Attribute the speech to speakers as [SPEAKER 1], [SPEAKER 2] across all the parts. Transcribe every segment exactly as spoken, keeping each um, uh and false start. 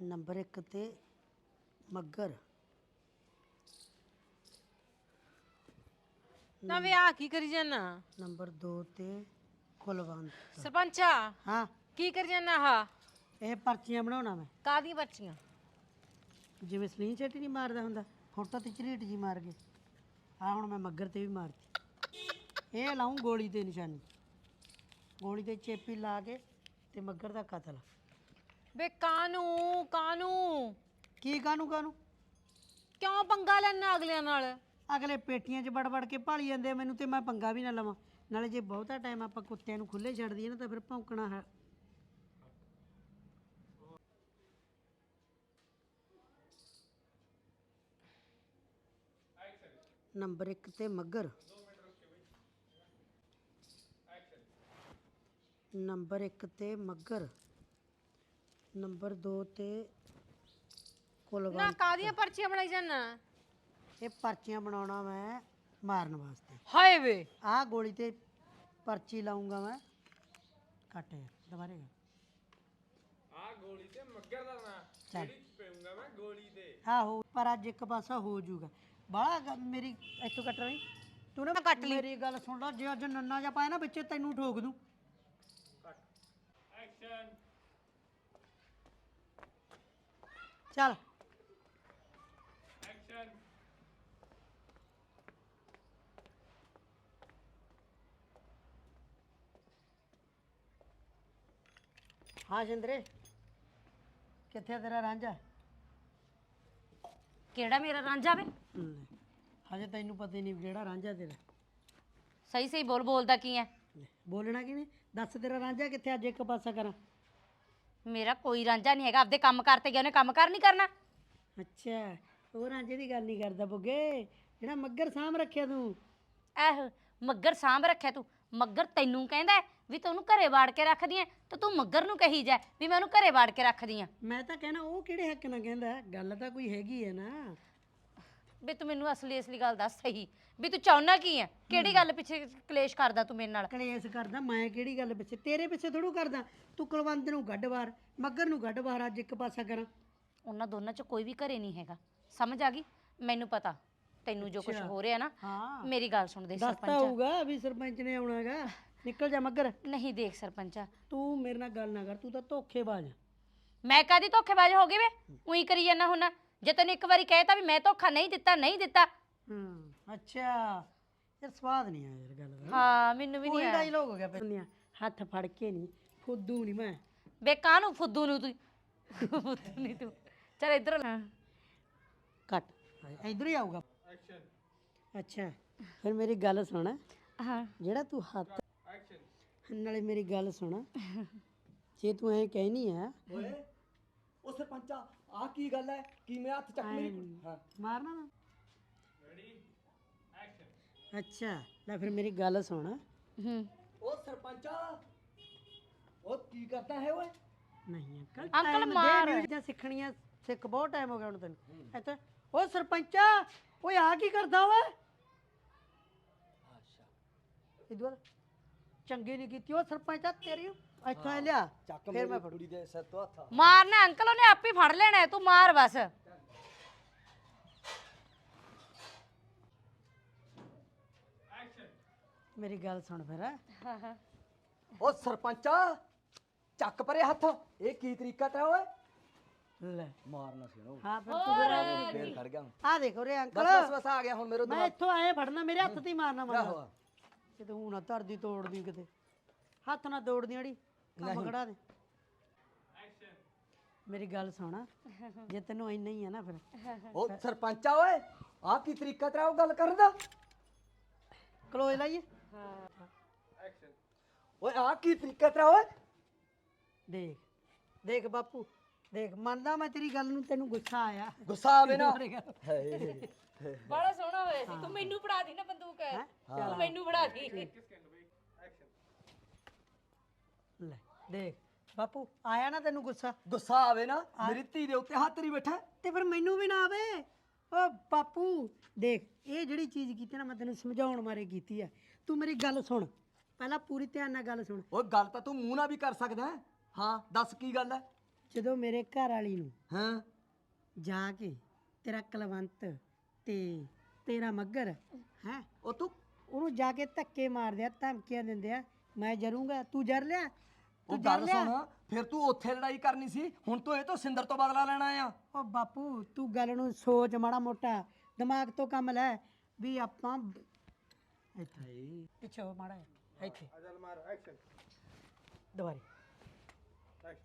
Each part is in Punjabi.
[SPEAKER 1] ਨੰਬਰ ਇੱਕ ਤੇ ਮੱਗਰ।
[SPEAKER 2] ਨਾ ਵੇ ਆ ਕੀ ਕਰੀ ਜਾਨਾ?
[SPEAKER 1] ਨੰਬਰ ਦੋ ਤੇ ਕੁਲਵੰਤ।
[SPEAKER 2] ਸਰਪੰਚਾ
[SPEAKER 1] ਹਾਂ
[SPEAKER 2] ਕੀ ਕਰੀ ਜਾਨਾ? ਆਹ
[SPEAKER 1] ਇਹ ਪਰਚੀਆਂ ਬਣਾਉਣਾ ਮੈਂ,
[SPEAKER 2] ਕਾਹਦੀਆਂ ਬੱਚੀਆਂ?
[SPEAKER 1] ਜਿਵੇਂ ਸਲੀਨ ਛੇਟੀ ਨਹੀਂ ਮਾਰਦਾ ਹੁੰਦਾ, ਫੋਟੋ ਤੇ ਝਰੀਟ ਜੀ ਮਾਰ ਕੇ ਆ ਹੁਣ ਮੈਂ ਮੱਗਰ ਤੇ ਵੀ ਮਾਰਤੀ। ਇਹ ਲਾਉਂ ਗੋਲੀ ਤੇ ਨਿਸ਼ਾਨੀ, ਗੋਲੀ ਤੇ ਚੇਪੀ ਲਾ ਕੇ ਤੇ ਮੱਗਰ ਦਾ ਕਤਲ।
[SPEAKER 2] ਵੇ ਕਾਨੂੰ ਕਾਨੂੰ
[SPEAKER 1] ਕੀ ਕਾਹਨੂੰ ਕਾਹਨੂੰ?
[SPEAKER 2] ਕਿਉਂ ਪੰਗਾ ਲੈਣਾ ਅਗਲਿਆਂ ਨਾਲ?
[SPEAKER 1] ਅਗਲੇ ਪੇਟੀਆਂ 'ਚ ਵੜ ਵੜ ਕੇ ਭਾਲੀ ਜਾਂਦੇ ਆ ਮੈਨੂੰ, ਤੇ ਮੈਂ ਪੰਗਾ ਵੀ ਨਾ ਲਵਾਂ। ਨਾਲੇ ਜੇ ਬਹੁਤਾ ਟਾਈਮ ਆਪਾਂ ਕੁੱਤਿਆਂ ਨੂੰ ਖੁੱਲੇ ਛੱਡ ਦਈਏ ਨਾ ਤਾਂ ਫਿਰ ਭੌਂਕਣਾ ਹੈ। ਨੰਬਰ ਇੱਕ ਤੇ ਮੱਗਰ। ਨੰਬਰ ਇੱਕ ਤੇ ਮੱਗਰ। ਨੰਬਰ ਦੋ ਤੇ
[SPEAKER 2] ਨਾ
[SPEAKER 1] ਕੁਲਵੰਤ।
[SPEAKER 2] ਕਾਹਦੀਆਂ ਪਰਚੀਆਂ ਬਣਾਈ ਜਾਨਾ?
[SPEAKER 1] ਇਹ ਪਰਚੀਆਂ ਬਣਾਉਣਾ ਮੈਂ ਮਾਰਨ ਵਾਸਤੇ।
[SPEAKER 2] ਹਾਏ ਵੇ
[SPEAKER 1] ਆਹ ਗੋਲੀ ਤੇ ਪਰਚੀ ਲਾਉਂਗਾ ਮੈਂ। ਕੱਟ ਯਾਰ ਦੁਬਾਰੇ ਕਰ।
[SPEAKER 3] ਆ ਗੋਲੀ ਤੇ ਮੱਗਰ ਦਾ ਨਾਂ ਜਿਹੜੀ ਪੇਉਂਗਾ ਮੈਂ ਗੋਲੀ ਤੇ।
[SPEAKER 1] ਆਹੋ ਪਰ ਅੱਜ ਇੱਕ ਪਾਸਾ ਹੋ ਜਾਊਗਾ ਬਾਹਲਾ। ਮੇਰੀ ਇੱਥੋਂ ਕੱਟ ਰਹੀ ਤੂੰ ਨਾ
[SPEAKER 2] ਕੱਟ ਲਈ।
[SPEAKER 1] ਮੇਰੀ ਗੱਲ ਸੁਣ ਲਾ, ਜੇ ਅੱਜ ਨੰਨਾ ਜਿਹਾ ਪਾਇਆ ਨਾ ਵਿੱਚ ਤੈਨੂੰ ਠੋਕ ਦੂੰ।
[SPEAKER 3] ਐਕਸ਼ਨ।
[SPEAKER 1] ਚੱਲ
[SPEAKER 3] ਐਕਸ਼ਨ।
[SPEAKER 1] ਹਾਂ ਸ਼ਿੰਦਰੇ, ਕਿੱਥੇ ਆ ਤੇਰਾ ਰਾਂਝਾ?
[SPEAKER 4] ਕਿਹੜਾ ਮੇਰਾ ਰਾਂਝਾ ਵੇ?
[SPEAKER 1] ਲੈ, ਹਜੇ ਤੈਨੂੰ ਪਤਾ ਹੀ ਨਹੀਂ ਕਿਹੜਾ ਰਾਂਝਾ ਤੇਰਾ।
[SPEAKER 4] ਸਹੀ ਸਹੀ ਬੋਲ, ਬੋਲਦਾ ਕੀ ਹੈ?
[SPEAKER 1] ਲੈ, ਬੋਲਣਾ ਕੀ ਨਹੀਂ, ਦੱਸ ਤੇਰਾ ਰਾਂਝਾ ਕਿੱਥੇ? ਅੱਜ ਇੱਕ ਪਾਸਾ ਕਰਾਂ।
[SPEAKER 4] ਮੇਰਾ ਕੋਈ ਰਾਂਝਾ ਨਹੀਂ ਹੈਗਾ, ਆਪਦੇ ਕੰਮ ਕਰਤੇ ਗਿਆ, ਉਹਨੇ ਕੰਮ ਕਰ ਨਹੀਂ ਕਰਨਾ।
[SPEAKER 1] ਅੱਛਾ, ਉਹ ਰਾਂਝੇ ਦੀ ਗੱਲ ਨਹੀਂ ਕਰਦਾ ਬੁੱਗੇ, ਜਿਹੜਾ ਮੱਗਰ ਸਾਂਭ ਰੱਖਿਆ ਤੂੰ।
[SPEAKER 4] ਐਹ ਮੱਗਰ ਸਾਂਭ ਰੱਖਿਆ ਤੂੰ? ਮੱਗਰ ਤੈਨੂੰ ਕਹਿੰਦਾ ਹੈ ਵੀ ਤੂੰ ਉਹਨੂੰ ਘਰੇ ਵਾੜ ਕੇ ਰੱਖਦੀ ਐ, ਤੇ ਤੂੰ ਮੱਗਰ ਨੂੰ ਕਹੀ ਜਾ ਵੀ ਮੈਂ ਉਹਨੂੰ ਘਰੇ ਵਾੜ ਕੇ ਰੱਖਦੀ ਆ।
[SPEAKER 1] ਮੈਂ ਤਾਂ ਕਹਿਣਾ ਉਹ ਕਿਹੜੇ ਹੱਕ ਨਾਲ ਕਹਿੰਦਾ, ਗੱਲ ਤਾਂ ਕੋਈ ਹੈਗੀ ਹੈ ਨਾ।
[SPEAKER 4] ਵੀ ਤੂੰ ਮੈਨੂੰ ਅਸਲੀ ਅਸਲੀ ਗੱਲ ਦੱਸ ਸਹੀ, ਵੀ ਤੂੰ ਚਾਹੁੰਦਾ ਕੀ ਹੈ? ਕਿਹੜੀ ਗੱਲ ਪਿੱਛੇ ਕਲੇਸ਼ ਕਰਦਾ ਤੂੰ ਮੇਰੇ ਨਾਲ?
[SPEAKER 1] ਕਲੇਸ਼ ਕਰਦਾ ਮੈਂ ਕਿਹੜੀ ਗੱਲ ਪਿੱਛੇ? ਤੇਰੇ ਪਿੱਛੇ ਥੋੜੂ ਕਰਦਾ। ਤੂੰ ਕੁਲਵੰਤ ਨੂੰ ਗੱਡ ਬਾਹਰ, ਮੱਗਰ ਨੂੰ ਗੱਡ ਬਾਹਰ, ਅੱਜ ਇੱਕ ਪਾਸਾ ਕਰਾਂ।
[SPEAKER 4] ਉਹਨਾਂ ਦੋਨਾਂ ਚ ਕੋਈ ਵੀ ਘਰੇ ਨਹੀਂ ਹੈਗਾ, ਸਮਝ ਆ ਗਈ? ਮੈਨੂੰ ਪਤਾ ਤੈਨੂੰ ਜੋ ਕੁਝ ਹੋ ਰਿਹਾ ਨਾ।
[SPEAKER 1] ਹਾਂ
[SPEAKER 4] ਮੇਰੀ ਗੱਲ ਸੁਣ ਦੇ
[SPEAKER 1] ਦੱਸਤਾ
[SPEAKER 4] ਸਰਪੰਚ।
[SPEAKER 1] ਹੋਊਗਾ ਵੀ ਸਰਪੰਚ ਨੇ ਆਉਣਾਗਾ। ਨਿਕਲ ਜਾ ਮੱਗਰ।
[SPEAKER 4] ਨਹੀਂ ਦੇਖ ਸਰਪੰਚਾ,
[SPEAKER 1] ਤੂੰ ਮੇਰੇ ਨਾਲ ਗੱਲ ਨਾ ਕਰ, ਤੂੰ ਤਾਂ ਧੋਖੇਬਾਜ਼ ਆ।
[SPEAKER 4] ਮੈਂ ਕਾਦੀ ਧੋਖੇਬਾਜ਼ ਹੋ ਗਈ ਵੇ? ਉਹੀ ਕਰੀ ਜਾਂਦਾ ਹੁੰਨਾ। ਜੇ ਤੈਨੂੰ ਇੱਕ ਵਾਰੀ ਕਹਿਤਾ ਵੀ ਮੈਂ ਧੋਖਾ ਨਹੀਂ ਦਿੱਤਾ, ਨਹੀਂ ਦਿੱਤਾ।
[SPEAKER 1] ਹੂੰ ਅੱਛਾ, ਯਾਰ ਸਵਾਦ ਨਹੀਂ ਆਇਆ ਯਾਰ ਗੱਲ ਦਾ।
[SPEAKER 4] ਹਾਂ ਮੈਨੂੰ ਵੀ ਨਹੀਂ
[SPEAKER 1] ਕੋਈ
[SPEAKER 4] ਆਇਆ।
[SPEAKER 1] ਡਾਇਲੋਗ ਹੋ ਗਿਆ ਪਹਿਲਾਂ। ਹੱਥ ਫੜ ਕੇ ਨਹੀਂ, ਫੁੱਦੂ ਨਹੀਂ ਮੈਂ।
[SPEAKER 4] ਬੇ ਕਾਹਨੂੰ ਫੁੱਦੂ ਨੂੰ ਤੂੰ? ਫੁੱਦੂ ਨਹੀਂ ਤੂੰ। ਚੱਲ ਇੱਧਰ ਲੈ।
[SPEAKER 1] ਕੱਟ, ਇਧਰ ਹੀ ਆਊਗਾ।
[SPEAKER 3] ਐਕਸ਼ਨ।
[SPEAKER 1] ਅੱਛਾ ਫਿਰ ਮੇਰੀ ਗੱਲ ਸੁਣ,
[SPEAKER 4] ਹਾਂ
[SPEAKER 1] ਜਿਹੜਾ ਤੂੰ ਹੱਥ
[SPEAKER 3] ਐਕਸ਼ਨ।
[SPEAKER 1] ਨਾਲੇ ਮੇਰੀ ਗੱਲ ਸੁਣ, ਜੇ ਤੂੰ ਐਂ ਕਹਿਨੀ ਆ
[SPEAKER 5] ਓਏ ਉਹ ਸਰਪੰਚਾ ਆ ਕੀ ਗੱਲ ਹੈ? ਕੀ ਮੈਂ ਹੱਥ ਚੱਕ ਮੇਰੀ? ਹਾਂ
[SPEAKER 1] ਮਾਰਨਾ ਨਾ।
[SPEAKER 3] ਰੈਡੀ। ਐਕਸ਼ਨ।
[SPEAKER 1] ਅੱਛਾ ਲੈ ਫਿਰ ਮੇਰੀ ਗੱਲ ਸੁਣ।
[SPEAKER 4] ਹੂੰ
[SPEAKER 5] ਉਹ ਸਰਪੰਚਾ ਉਹ ਕੀ ਕਰਦਾ ਹੈ ਓਏ?
[SPEAKER 1] ਨਹੀਂ ਅੰਕਲ,
[SPEAKER 4] ਅੰਕਲ
[SPEAKER 1] time ਦੇ,
[SPEAKER 4] ਮਾਰ।
[SPEAKER 1] ਨਿਊ ਚੀਜ਼ਾਂ ਸਿੱਖਣੀਆਂ ਸਿੱਖ, ਬਹੁਤ ਟਾਈਮ ਹੋ ਗਿਆ ਹੁਣ ਤੈਨੂੰ ਇੱਥੇ। ਓਏ ਸਰਪੰਚਾ, ਓਏ ਆ ਕੀ ਕਰਦਾ ਓਏ?
[SPEAKER 5] ਅੱਛਾ
[SPEAKER 1] ਇਦੋਂ ਚੰਗੀ ਨਹੀਂ ਕੀਤੀ ਉਹ ਸਰਪੰਚਾ ਤੇਰੀ। ਇੱਥੋਂ ਐ ਲਿਆ
[SPEAKER 5] ਚੱਕ
[SPEAKER 1] ਫਿਰ
[SPEAKER 5] ਮੇਰੀ
[SPEAKER 1] ਮੈਂ
[SPEAKER 5] ਕੁੜੀ ਦੇ ਸਿਰ ਤੋਂ ਹੱਥ।
[SPEAKER 4] ਮਾਰਨਾ ਅੰਕਲ, ਉਹਨੇ ਆਪ ਹੀ ਫੜ ਲੈਣਾ ਹੈ, ਤੂੰ ਮਾਰ ਬਸ।
[SPEAKER 3] ਐਕਸ਼ਨ।
[SPEAKER 1] ਮੇਰੀ ਗੱਲ ਸੁਣ ਫਿਰ।
[SPEAKER 4] ਹਾਂ ਹਾਂ
[SPEAKER 5] ਉਹ ਸਰਪੰਚਾ ਚੱਕ ਪਰੇ ਹੱਥ। ਇਹ ਕੀ ਤਰੀਕਾ ਤਾ ਓਏ?
[SPEAKER 1] ਲੈ
[SPEAKER 5] ਮਾਰਨਾ ਸੀ ਨਾ
[SPEAKER 1] ਹਾਂ ਫਿਰ ਤੂੰ ਫਿਰ
[SPEAKER 5] ਫੇਰ ਖੜ ਗਿਆ।
[SPEAKER 1] ਆ ਦੇਖੋ ਰੇ ਅੰਕਲ,
[SPEAKER 5] ਬਸ ਬਸ ਬਸ ਆ ਗਿਆ ਹੁਣ ਮੇਰੇ
[SPEAKER 1] ਮੈਂ
[SPEAKER 5] ਦਿਮਾਗ।
[SPEAKER 1] ਇੱਥੋਂ ਆਏ ਫੜਨਾ, ਮੇਰੇ ਹੱਥ ਤੇ ਹੀ ਮਾਰਨਾ
[SPEAKER 5] ਆਹੋ
[SPEAKER 1] ਮਾਰਨਾ ਕਿਤੇ ਹੁਣ ਨਾ ਧਰਦੀ ਤੋੜਦੀ, ਕਿਤੇ ਹੱਥ ਨਾ ਤੋੜਦੀ ਅੜੀ, ਕੰਮ ਖੜਾ ਦੇ।
[SPEAKER 3] ਐਕਸ਼ਨ।
[SPEAKER 1] ਮੇਰੀ ਗੱਲ ਸੁਣ, ਜੇ ਤੈਨੂੰ ਇੰਨਾ ਹੀ ਆ ਨਾ ਫਿਰ
[SPEAKER 5] ਉਹ ਸਰਪੰਚਾ ਓਏ ਆ ਕੀ ਤਰੀਕਾ ਤੇਰਾ ਉਹ ਗੱਲ ਕਰਨ ਦਾ?
[SPEAKER 1] ਕਲੋਜ਼ ਲਾਈਏ।
[SPEAKER 3] ਐਕਸ਼ਨ।
[SPEAKER 5] ਓਏ ਆ ਕੀ ਤਰੀਕਾ ਤੇਰਾ ਓਏ?
[SPEAKER 1] ਦੇਖ ਦੇਖ ਬਾਪੂ ਦੇਖ, ਮੰਨਦਾ ਮੈਂ ਤੇਰੀ ਗੱਲ ਨੂੰ, ਤੈਨੂੰ ਗੁੱਸਾ ਆਇਆ।
[SPEAKER 5] ਗੁੱਸਾ ਆਵੇ ਨਾ। ਹਾਏ
[SPEAKER 4] ਬੜਾ ਸੋਹਣਾ ਹੋਇਆ ਸੀ। ਤੂੰ ਮੈਨੂੰ ਫੜਾ ਦੀ ਨਾ ਬੰਦੂਕ, ਤੂੰ ਮੈਨੂੰ ਫੜਾ ਦੀ।
[SPEAKER 3] ਕਿਸ ਕਹਿੰਦੇ ਬਈ? ਐਕਸ਼ਨ।
[SPEAKER 1] ਲੈ ਦੇਖ ਬਾਪੂ, ਆਇਆ ਨਾ ਤੈਨੂੰ ਗੁੱਸਾ?
[SPEAKER 5] ਗੁੱਸਾ ਆਵੇ ਨਾ, ਮੇਰੀ ਧੀ ਦੇ ਉੱਤੇ ਹੱਥ ਨਹੀਂ ਬੈਠਾ।
[SPEAKER 1] ਤੇ ਫਿਰ ਮੈਨੂੰ ਵੀ ਨਾ ਆਵੇ। ਓ ਬਾਪੂ ਦੇਖ, ਇਹ ਜਿਹੜੀ ਚੀਜ਼ ਕੀਤੀ ਨਾ ਮੈਂ ਤੈਨੂੰ ਸਮਝਾਉਣ ਮਾਰੇ ਕੀਤੀ ਆ। ਤੂੰ ਮੇਰੀ ਗੱਲ ਸੁਣ, ਪਹਿਲਾਂ ਪੂਰੀ ਧਿਆਨ ਨਾਲ ਗੱਲ ਸੁਣ।
[SPEAKER 5] ਓਏ ਗੱਲ ਤਾਂ ਤੂੰ ਮੂੰਹ ਨਾਲ ਵੀ ਕਰ ਸਕਦਾ ਹੈ। ਹਾਂ ਦੱਸ ਕੀ ਗੱਲ ਹੈ?
[SPEAKER 1] ਜਦੋਂ ਮੇਰੇ ਘਰ ਵਾਲੀ ਨੂੰ
[SPEAKER 5] ਹਾਂ
[SPEAKER 1] ਜਾ ਕੇ ਤੇਰਾ ਕਲਵੰਤ ਤੇ ਤੇਰਾ ਮੱਗਰ ਹੈ
[SPEAKER 5] ਉਹ ਤੂੰ
[SPEAKER 1] ਉਹਨੂੰ ਜਾ ਕੇ ਧੱਕੇ ਮਾਰਦੇ ਆ ਧਮਕੀਆਂ ਦਿੰਦੇ ਆ ਮੈਂ ਜਰੂੰਗਾ ਤੂੰ ਜਰ ਲਿਆ
[SPEAKER 5] ਉਹ
[SPEAKER 1] ਤੂੰ ਜਰ
[SPEAKER 5] ਗੱਲ
[SPEAKER 1] ਲਿਆ
[SPEAKER 5] ਸੁਣ ਫਿਰ ਤੂੰ ਉੱਥੇ ਲੜਾਈ ਕਰਨੀ ਸੀ ਹੁਣ ਤੂੰ ਇਹ ਤੋਂ ਸਿੰਦਰ ਤੋਂ ਬਦਲਾ ਲੈਣਾ ਆ
[SPEAKER 1] ਉਹ ਬਾਪੂ ਤੂੰ ਗੱਲ ਨੂੰ ਸੋਚ ਮਾੜਾ ਮੋਟਾ ਦਿਮਾਗ ਤੋਂ ਕੰਮ ਲੈ ਵੀ ਆਪਾਂ ਇੱਥੇ ਪਿੱਛੇ ਹੋ ਮਾੜਾ ਜਿਹਾ, ਇੱਥੇ
[SPEAKER 3] ਚੱਲ ਮਾਰ ਐਕਸ਼ਨ
[SPEAKER 1] ਦੁਬਾਰੇ
[SPEAKER 3] ਐਕਸ਼ਨ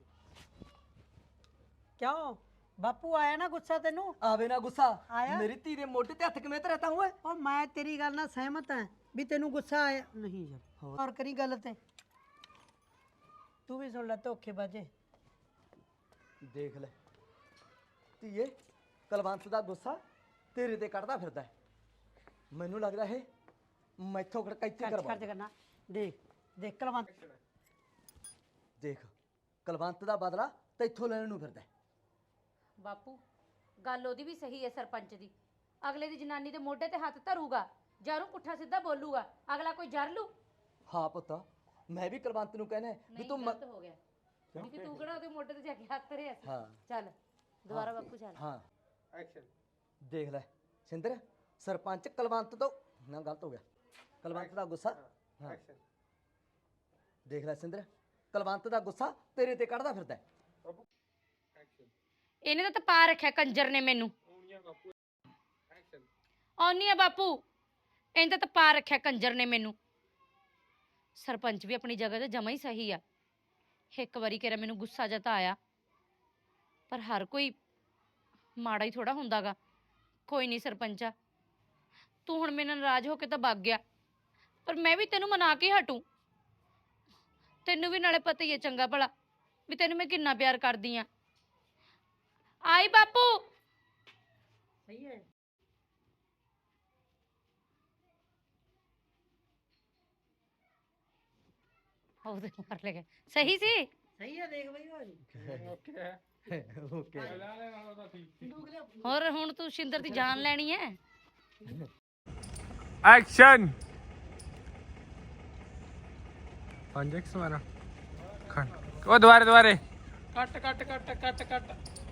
[SPEAKER 1] ਕਿਉਂ ਬਾਪੂ ਆਇਆ ਨਾ ਗੁੱਸਾ ਤੈਨੂੰ
[SPEAKER 5] ਆਵੇ ਨਾ ਗੁੱਸਾ
[SPEAKER 1] ਆਇਆ?
[SPEAKER 5] ਮੇਰੀ ਧੀ ਦੇ ਮੋਢੇ ਤੇ ਹੱਥ ਕਿਵੇਂ ਧਰਤਾ ਹੋਏ
[SPEAKER 1] ਉਹ ਮੈਂ ਤੇਰੀ ਗੱਲ ਨਾਲ ਸਹਿਮਤ ਹਾਂ ਵੀ ਤੈਨੂੰ ਗੁੱਸਾ ਆਇਆ ਨਹੀਂ ਯਾਰ ਹੋਰ ਕਰੀ ਗੱਲ ਤੇ ਤੂੰ ਵੀ ਸੁਣ ਲੈ ਧੋਖੇ ਬਾਜੇ
[SPEAKER 5] ਦੇਖ ਲੈ ਧੀਏ ਕਲਵੰਤ ਦਾ ਗੁੱਸਾ ਤੇਰੇ ਤੇ ਕੱਢਦਾ ਫਿਰਦਾ ਹੈ। ਮੈਨੂੰ ਲੱਗਦਾ ਇਹ ਮੈਥੋਂ ਖੜਕਾਈਤੀ
[SPEAKER 1] ਖਰਚ
[SPEAKER 5] ਕਰਵਾ
[SPEAKER 1] ਖਰਚ ਕਰਨਾ ਦੇਖ ਦੇਖ ਕਲਵੰਤ
[SPEAKER 5] ਦੇਖ ਕਲਵੰਤ ਦਾ ਬਦਲਾ ਤੈਥੋਂ ਲੈਣ ਨੂੰ ਫਿਰਦਾ ਹੈ।
[SPEAKER 4] ਬਾਪੂ ਗੱਲ ਉਹਦੀ ਵੀ ਸਹੀ ਹੈ ਸਰਪੰਚ ਦੀ। ਅਗਲੇ ਦੀ ਜਨਾਨੀ ਦੇ ਮੋਢੇ ਤੇ ਹੱਥ ਧਰੂਗਾ ਜਾਂ ਉਹਨੂੰ ਪੁੱਠਾ ਸਿੱਧਾ ਬੋਲੂਗਾ, ਅਗਲਾ ਕੋਈ ਜਰ ਲੂ।
[SPEAKER 5] ਹਾਂ ਪੁੱਤ ਮੈਂ ਵੀ ਕਲਵੰਤ ਨੂੰ ਕਹਿੰਦਾ ਵੀ
[SPEAKER 4] ਨਹੀਂ
[SPEAKER 5] ਤੂੰ ਮ-
[SPEAKER 4] ਗਲਤ ਹੋ ਗਿਆ ਕਿਉਂਕਿ ਤੂੰ ਕਿਹੜਾ ਉਹਦੇ ਮੋਢੇ ਤੇ ਜਾ ਕੇ ਹੱਥ ਧਰਿਆ ਸੀ।
[SPEAKER 5] ਹਾਂ
[SPEAKER 4] ਚੱਲ ਦੁਬਾਰਾ ਬਾਪੂ ਚੱਲ।
[SPEAKER 5] ਹਾਂ
[SPEAKER 3] ਐਕਸ਼ਨ
[SPEAKER 5] ਦੇਖ ਲੈ ਸਿੰਦਰ ਸਰਪੰਚ ਕਲਵੰਤ ਤੋਂ ਨਾ ਗਲਤ ਹੋ ਗਿਆ ਕਲਵੰਤ ਦਾ ਗੁੱਸਾ ਹਾਂ
[SPEAKER 3] ਐਕਸ਼ਨ
[SPEAKER 5] ਦੇਖ ਲੈ ਸਿੰਦਰ ਕਲਵੰਤ ਦਾ ਗੁੱਸਾ ਤੇਰੇ ਤੇ ਕੱਢਦਾ ਫਿਰਦਾ ਹੈ।
[SPEAKER 3] ਐਕਸ਼ਨ
[SPEAKER 4] ਇਹਨੇ ਤਾਂ ਤਪਾ ਰੱਖਿਆ ਕੰਜਰ ਨੇ ਮੈਨੂੰ।
[SPEAKER 3] ਉਂਗਲੀਆਂ ਬਾਪੂ ਐਕਸ਼ਨ
[SPEAKER 4] ਆਉਣੀ ਆ ਬਾਪੂ, ਇਹਨੇ ਤਾਂ ਤਪਾ ਰੱਖਿਆ ਕੰਜਰ ਨੇ ਮੈਨੂੰ। ਸਰਪੰਚ ਵੀ ਆਪਣੀ ਜਗ੍ਹਾ ਤੇ ਜਮਾ ਹੀ ਸਹੀ ਆ। ਇੱਕ ਵਾਰੀ ਕਿਹੜਾ ਮੈਨੂੰ ਗੁੱਸਾ ਜਿਹਾ ਤਾਂ ਆਇਆ, ਪਰ ਹਰ ਕੋਈ ਮਾੜਾ ਹੀ ਥੋੜਾ ਹੁੰਦਾਗਾ। ਕੋਈ ਨਹੀਂ ਸਰਪੰਚਾ, ਤੂੰ ਹੁਣ ਮੇਰੇ ਨਾਲ ਨਾਰਾਜ਼ ਹੋ ਕੇ ਤਾਂ ਭੱਗ ਗਿਆ, ਪਰ ਮੈਂ ਵੀ ਤੈਨੂੰ ਮਨਾ ਕੇ ਹਟੂ। ਤੈਨੂੰ ਵੀ ਨਾਲੇ ਪਤਾ ਹੀ ਹੈ ਚੰਗਾ ਭਲਾ ਵੀ ਤੈਨੂੰ ਮੈਂ ਕਿੰਨਾ ਪਿਆਰ ਕਰਦੀ ਆ। ਆਈ ਬਾਪੂ।
[SPEAKER 1] ਸਹੀ ਹੈ
[SPEAKER 4] ਉਹਦੇ ਮਾਰ ਲੈ ਗਿਆ। ਸਹੀ ਸੀ।
[SPEAKER 1] ਸਹੀ ਹੈ ਦੇਖ ਬਈ ਭਾਜੀ
[SPEAKER 3] ਓਕੇ ਹੈ
[SPEAKER 5] ਓਕੇ
[SPEAKER 3] ਲਾ ਲੈ ਨਾਲੋਂ ਤਾਂ ਠੀਕ ਸੀ
[SPEAKER 4] ਹੋਰ ਹੁਣ ਤੂੰ ਸ਼ਿੰਦਰ ਦੀ ਜਾਨ ਲੈਣੀ ਹੈ।
[SPEAKER 3] ਐਕਸ਼ਨ ਪੰਜ ਐਕਸ ਮਾਰਾ ਖੰਡ ਉਹ ਦੁਬਾਰੇ ਦੁਬਾਰੇ ਕੱਟ ਕੱਟ ਕੱਟ ਕੱਟ ਕੱਟ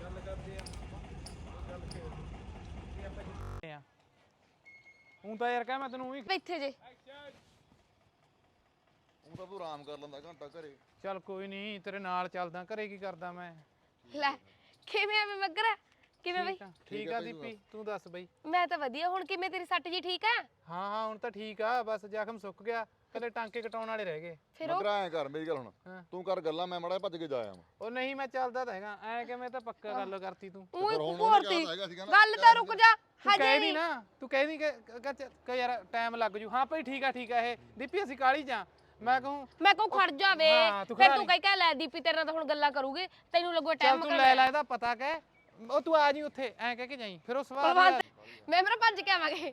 [SPEAKER 3] ਹੁਣ ਤਾਂ ਯਾਰ ਕਹਿ ਮੈਂ ਤੈਨੂੰ ਉਹੀ
[SPEAKER 2] ਇੱਥੇ ਜੇ
[SPEAKER 6] ਉਹ ਤਾਂ ਤੂੰ ਆਰਾਮ ਕਰ ਲੈਂਦਾ ਘੰਟਾ ਘਰੇ
[SPEAKER 3] ਚੱਲ ਕੋਈ ਨਹੀਂ ਤੇਰੇ ਨਾਲ ਚੱਲਦਾ ਘਰੇ ਕੀ ਕਰਦਾ ਮੈਂ
[SPEAKER 7] ਲੈ ਕਿਵੇਂ ਆ ਮੈਂ ਮੱਗਰਾ ਕਿਵੇਂ ਬਈ
[SPEAKER 3] ਠੀਕ ਆ ਠੀਕ ਆ ਦੀਪੀ ਤੂੰ ਦੱਸ ਬਈ
[SPEAKER 7] ਮੈਂ ਤਾਂ ਵਧੀਆ ਹੁਣ ਕਿਵੇਂ ਤੇਰੀ ਸੱਟ ਜੀ ਠੀਕ ਆ
[SPEAKER 3] ਹਾਂ ਹਾਂ ਹੁਣ ਤਾਂ ਠੀਕ ਆ ਬਸ ਜ਼ਖਮ ਸੁੱਕ ਗਿਆ ਕੱਲੇ ਟਾਂਕੇ ਕਟਾਉਣ ਵਾਲੇ ਰਹਿ ਗਏ
[SPEAKER 7] ਫਿਰ ਉਹ
[SPEAKER 6] ਮਗਰ ਐਂ ਕਰ ਮੇਰੀ ਗੱਲ ਹੁਣ
[SPEAKER 3] ਹਾਂ।
[SPEAKER 6] ਤੂੰ ਕਰ ਗੱਲਾਂ ਮੈਂ ਮੜਾ ਭੱਜ ਕੇ ਜਾ ਆਵਾਂ
[SPEAKER 3] ਉਹ ਨਹੀਂ ਮੈਂ ਚੱਲਦਾ ਤਾਂ ਹੈਗਾ ਐ ਕਿਵੇਂ ਤਾਂ ਪੱਕਾ ਗੱਲ ਕਰਤੀ ਤੂੰ
[SPEAKER 7] ਉਹੀ
[SPEAKER 6] ਫਿਰ ਹੁਣ ਉਹਨੇ
[SPEAKER 7] ਭੋਰਤੀ
[SPEAKER 6] ਕਿਹਾ ਹੈਗਾ ਸੀਗਾ ਨਾ,
[SPEAKER 7] ਗੱਲ ਤਾਂ ਰੁਕ ਜਾ
[SPEAKER 3] ਤੂੰ
[SPEAKER 7] ਹਜੇ
[SPEAKER 3] ਕਹਿ
[SPEAKER 7] ਨਹੀਂ
[SPEAKER 3] ਨਹੀਂ ਨਾ ਤੂੰ ਕਹਿ ਨਹੀਂ ਕਿ ਕਿ ਯਾਰ ਟਾਈਮ ਲੱਗ ਜੂ ਹਾਂ ਭਾਈ ਠੀਕ ਆ ਠੀਕ ਆ ਇਹ ਦੀਪੀ ਅਸੀਂ ਕਾਲੀ ਜਾ ਮੈਂ ਕਹੂੰ
[SPEAKER 7] ਮੈਂ ਕਹੂੰ ਖੜ ਜਾਵੇ
[SPEAKER 3] ਹਾਂ, ਤੂੰ
[SPEAKER 7] ਫਿਰ
[SPEAKER 3] ਖੜਾ
[SPEAKER 7] ਤੂੰ
[SPEAKER 3] ਨਹੀਂ।
[SPEAKER 7] ਕਹਿ ਕਹਿ ਲੈ ਦੀਪੀ ਤੇਰੇ ਨਾਲ ਤਾਂ ਹੁਣ ਗੱਲਾਂ ਕਰੂਗੇ ਤੈਨੂੰ ਲੱਗੂ
[SPEAKER 3] ਚੱਲ
[SPEAKER 7] ਟਾਈਮ
[SPEAKER 3] ਤੂੰ ਲੈ ਲੈ ਇਹਦਾ ਪਤਾ ਕਹਿ ਉਹ ਤੂੰ ਆ ਜੀ ਉੱਥੇ ਐ ਕਹਿ ਕੇ ਜਾਈ ਫਿਰ ਉਹ ਸਵਾਲ
[SPEAKER 7] ਮੈਂ ਮੇਰਾ ਭੱਜ ਕੇ ਆਵਾਂਗੇ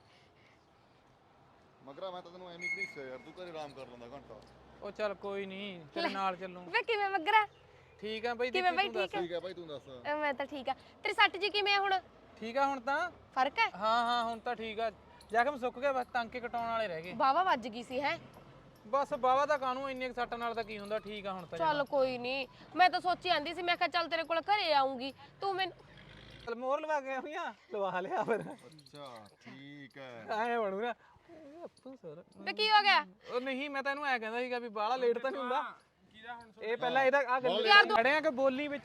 [SPEAKER 6] ਮਗਰਾ ਮੈਂ ਤਾਂ ਤੈਨੂੰ ਐਵੇਂ ਘੜੀਸਿਆ ਯਾਰ ਤੂੰ ਘਰੇ ਆਰਾਮ ਕਰ ਲੈਂਦਾ ਘੰਟਾ
[SPEAKER 3] ਉਹ ਚੱਲ ਕੋਈ ਨਹੀਂ ਤੇਰੇ ਨਾਲ ਚੱਲੂ
[SPEAKER 7] ਵੇ ਕਿਵੇਂ ਮੱਗਰਾ
[SPEAKER 3] ਠੀਕ ਆ ਬਈ
[SPEAKER 7] ਕਿਵੇਂ
[SPEAKER 3] ਦੀਪੀ
[SPEAKER 7] ਬਈ
[SPEAKER 3] ਤੂੰ ਦੱਸ
[SPEAKER 7] ਠੀਕ ਆ
[SPEAKER 6] ਠੀਕ ਹੈ ਭਾਈ ਤੂੰ ਦੱਸ
[SPEAKER 7] ਅਹ ਮੈਂ ਤਾਂ ਠੀਕ ਆ ਤੇਰੀ ਸੱਟ ਜੀ ਕਿਵੇਂ ਆ ਹੁਣ
[SPEAKER 3] ਠੀਕ ਆ ਹੁਣ ਤਾਂ
[SPEAKER 7] ਫਰਕ ਹੈ
[SPEAKER 3] ਹਾਂ ਹਾਂ ਹੁਣ ਤਾਂ ਠੀਕ ਆ ਜ਼ਖਮ ਸੁੱਕ ਗਿਆ ਬਸ ਟਾਂਕੇ ਕਟਾਉਣ ਵਾਲੇ ਰਹਿ ਗਏ
[SPEAKER 7] ਬਾਵਾ ਵੱਜ ਗਈ ਸੀ ਹੈ
[SPEAKER 3] ਬਸ ਬਾਵਾ ਦਾ ਕਾਨੂੰ ਇੰਨੇ ਕੁ ਸੱਟ ਨਾਲ ਤਾਂ ਕੀ ਹੁੰਦਾ ਠੀਕ ਆ ਹੁਣ ਤਾਂ
[SPEAKER 7] ਚੱਲ ਕੋਈ ਨਹੀਂ ਮੈਂ ਤਾਂ ਸੋਚੀ ਆਂਦੀ ਸੀ ਮੈਂ ਕਿਹਾ ਚੱਲ ਤੇਰੇ ਕੋਲ ਘਰੇ ਆਉਂਗੀ ਤੂੰ ਮੈਨੂੰ
[SPEAKER 3] ਚੱਲ ਮੋਹਰ ਲਵਾ ਕੇ ਆਉਣੀਆਂ ਲਵਾ ਲਿਆ ਫਿਰ
[SPEAKER 6] ਅੱਛਾ ਠੀਕ ਹੈ
[SPEAKER 3] ਐ ਬਣੂ ਨਾ ਅੱਪੂ ਸਰ
[SPEAKER 7] ਵੇ ਕੀ ਹੋ ਗਿਆ
[SPEAKER 3] ਉਹ ਨਹੀਂ ਮੈਂ ਤੈਨੂੰ ਐ ਕਹਿੰਦਾ ਸੀਗਾ ਵੀ ਬਾਹਲਾ ਲੇਟ ਤਾਂ ਨਹੀਂ ਹੁੰਦਾ ਇਹ ਪਹਿਲਾਂ ਇਹਦਾ ਆ ਗੱਲ
[SPEAKER 7] ਯਾਰ ਤੂੰ-
[SPEAKER 3] ਖੜੇ ਆ ਕਿ ਬੋਲੀ ਵਿੱਚ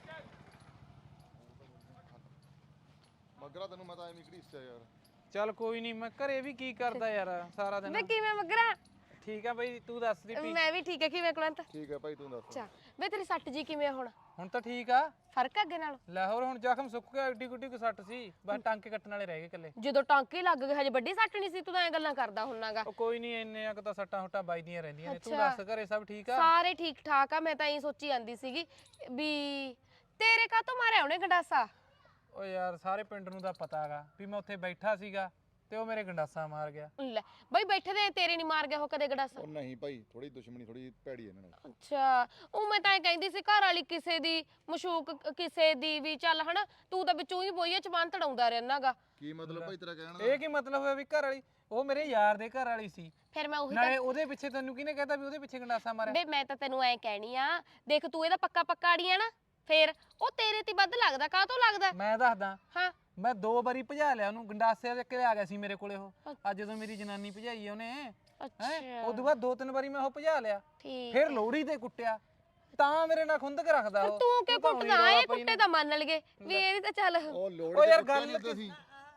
[SPEAKER 6] ਮਗਰਾ ਤੈਨੂੰ ਮੈਂ ਤਾਂ ਐਵੇਂ ਘੜੀਸਿਆ ਯਾਰ
[SPEAKER 3] ਚੱਲ ਕੋਈ ਨਹੀਂ ਮੈਂ ਘਰੇ ਵੀ ਕੀ ਕਰਦਾ ਯਾਰ ਸਾਰਾ ਦਿਨ
[SPEAKER 7] ਵੇ ਕਿਵੇਂ ਮੱਗਰਾ
[SPEAKER 3] ਠੀਕ ਆ ਬਈ ਤੂੰ ਦੱਸ ਦੀਪੀ
[SPEAKER 7] ਮੈਂ ਵੀ ਠੀਕ ਹੈ ਕਿਵੇਂ ਕੁਲੰਤ
[SPEAKER 6] ਠੀਕ ਹੈ ਭਾਈ ਤੂੰ ਦੱਸ
[SPEAKER 7] ਅੱਛਾ ਵੇ ਤੇਰੀ ਸੱਟ ਜੀ ਕਿਵੇਂ ਆ ਹੁਣ
[SPEAKER 3] ਹੁਣ ਤਾਂ ਠੀਕ ਆ
[SPEAKER 7] ਫਰਕ ਆ ਅੱਗੇ ਨਾਲ
[SPEAKER 3] ਲੈ ਹੋਰ ਹੁਣ ਜ਼ਖਮ ਸੁੱਕ ਗਿਆ ਏਡੀ ਗੁੱਡੀ ਕੋ ਸੱਟ ਸੀ ਬਸ ਟਾਂਕੇ ਕੱਟਣ ਵਾਲੇ ਰਹਿ ਗਏ ਇਕੱਲੇ
[SPEAKER 7] ਜਦੋਂ ਟਾਂਕੇ ਲੱਗ ਗਏ ਹਜੇ ਵੱਡੀ ਸੱਟ ਨਹੀਂ ਸੀ ਤੂੰ ਤਾਂ ਐ ਗੱਲਾਂ ਕਰਦਾ ਹੁੰਨਾਗਾ
[SPEAKER 3] ਉਹ ਕੋਈ ਨਹੀਂ ਇੰਨੇ ਆ ਤਾਂ ਸੱਟਾਂ ਹੁੱਟਾਂ ਵੱਜਦੀਆਂ ਰਹਿੰਦੀਆਂ ਨੇ ਤੂੰ
[SPEAKER 7] ਅੱਛਾ।
[SPEAKER 3] ਦੱਸ ਘਰੇ ਸਭ ਠੀਕ ਆ
[SPEAKER 7] ਸਾਰੇ ਠੀਕ ਠਾਕ ਆ ਮੈਂ ਤਾਂ ਇਹੀ ਸੋਚੀ ਆਂਦੀ ਸੀਗੀ ਵੀ ਤੇਰੇ ਕਾਹਤੋਂ ਮਾਰਿਆ ਉਹਨੇ ਗੰਡਾਸਾ
[SPEAKER 3] ਓ ਯਾਰ ਸਾਰੇ ਪਿੰਡ ਨੂੰ ਤਾਂ ਪਤਾ ਹੈਗਾ ਵੀ ਮੈਂ ਉੱਥੇ ਬੈਠਾ ਸੀਗਾ ਤੇ ਉਹ ਮੇਰੇ ਗੰਡਾਸਾ ਮਾਰ ਗਿਆ
[SPEAKER 7] ਲੈ ਬਈ ਬੈਠੇ ਦੇ ਤੇਰੇ ਨਹੀਂ ਮਾਰ ਗਿਆ ਉਹ ਕਦੇ ਗੰਡਾਸਾ
[SPEAKER 6] ਉਹ ਨਹੀਂ ਭਾਈ ਥੋੜੀ ਦੁਸ਼ਮਣੀ ਥੋੜੀ ਭੈੜੀ ਇਹਨਾਂ ਨਾਲ
[SPEAKER 7] ਅੱਛਾ ਉਹ ਮੈਂ ਤਾਂ ਇਹ ਕਹਿੰਦੀ ਸੀ ਘਰ ਵਾਲੀ ਕਿਸੇ ਦੀ ਮਸ਼ੂਕ ਕਿਸੇ ਦੀ ਵੀ ਚੱਲ ਹਨਾ ਤੂੰ ਤਾਂ ਵਿੱਚੋਂ ਹੀ ਬੋਈਏ ਚਬਾਨ ਤੜਾਉਂਦਾ ਰਹਿਣਾਗਾ
[SPEAKER 6] ਕੀ ਮਤਲਬ ਭਾਈ ਤੇਰਾ ਕਹਿਣ ਦਾ
[SPEAKER 3] ਇਹ ਕੀ ਮਤਲਬ ਹੋਇਆ ਵੀ ਘਰ ਵਾਲੀ ਉਹ ਮੇਰੇ ਯਾਰ ਦੇ ਘਰ ਵਾਲੀ ਸੀ
[SPEAKER 7] ਫਿਰ ਮੈਂ ਉਹੀ
[SPEAKER 3] ਨਾਲੇ ਉਹਦੇ ਪਿੱਛੇ ਤੈਨੂੰ ਕਿਹਨੇ ਕਹਿਤਾ ਵੀ ਉਹਦੇ ਪਿੱਛੇ ਗੰਡਾਸਾ ਮਾਰਿਆ
[SPEAKER 7] ਬੇ ਮੈਂ ਤਾਂ ਤੈਨੂੰ ਐ ਕਹਿਣੀ ਆ ਦੇਖ ਤੂੰ ਇਹਦਾ ਪੱਕਾ ਪੱਕਾ ਆੜੀ ਆ ਨਾ ਫੇਰ ਉਹ ਤੇਰੇ ਤੇ ਵੱਧ ਲੱਗਦਾ ਕਾਹ ਤੋਂ ਲੱਗਦਾ
[SPEAKER 3] ਮੈਂ ਦੱਸਦਾ
[SPEAKER 7] ਹਾਂ
[SPEAKER 3] ਮੈਂ ਦੋ ਵਾਰੀ ਭਜਾ ਲਿਆ ਉਹਨੂੰ ਗੰਡਾਸੇ ਦੇ ਕੇ ਆ ਗਿਆ ਸੀ ਮੇਰੇ ਕੋਲੇ ਉਹ ਅੱਜ ਜਦੋਂ ਮੇਰੀ ਜਨਾਨੀ ਭਜਾਈ ਉਹਨੇ ਹੈ
[SPEAKER 7] ਅੱਛਾ
[SPEAKER 3] ਉਦੋਂ ਬਾਅਦ ਦੋ ਤਿੰਨ ਵਾਰੀ ਮੈਂ ਉਹ ਭਜਾ ਲਿਆ
[SPEAKER 7] ਠੀਕ
[SPEAKER 3] ਫਿਰ ਲੋਹੜੀ ਤੇ ਕੁੱਟਿਆ ਤਾਂ ਮੇਰੇ ਨਾਲ ਖੁੰਦਕ ਰੱਖਦਾ ਉਹ
[SPEAKER 7] ਤੂੰ ਕਿਉਂ
[SPEAKER 3] ਤਾਂ ਉਹੀ
[SPEAKER 7] ਕੁੱਟਦਾ
[SPEAKER 3] ਰੌਲਾ
[SPEAKER 7] ਇਹ
[SPEAKER 3] ਪਈ
[SPEAKER 7] ਕੁੱਟੇ ਤਾਂ ਮੰਨ ਲਗੇ ਵੀ ਇਹਦੀ ਤਾਂ ਚੱਲ
[SPEAKER 6] ਉਹ ਲੋੜ
[SPEAKER 3] ਉਹ ਯਾਰ
[SPEAKER 6] ਤੇ
[SPEAKER 3] ਗੱਲ
[SPEAKER 6] ਨਹੀਂ ਤੁਸੀਂ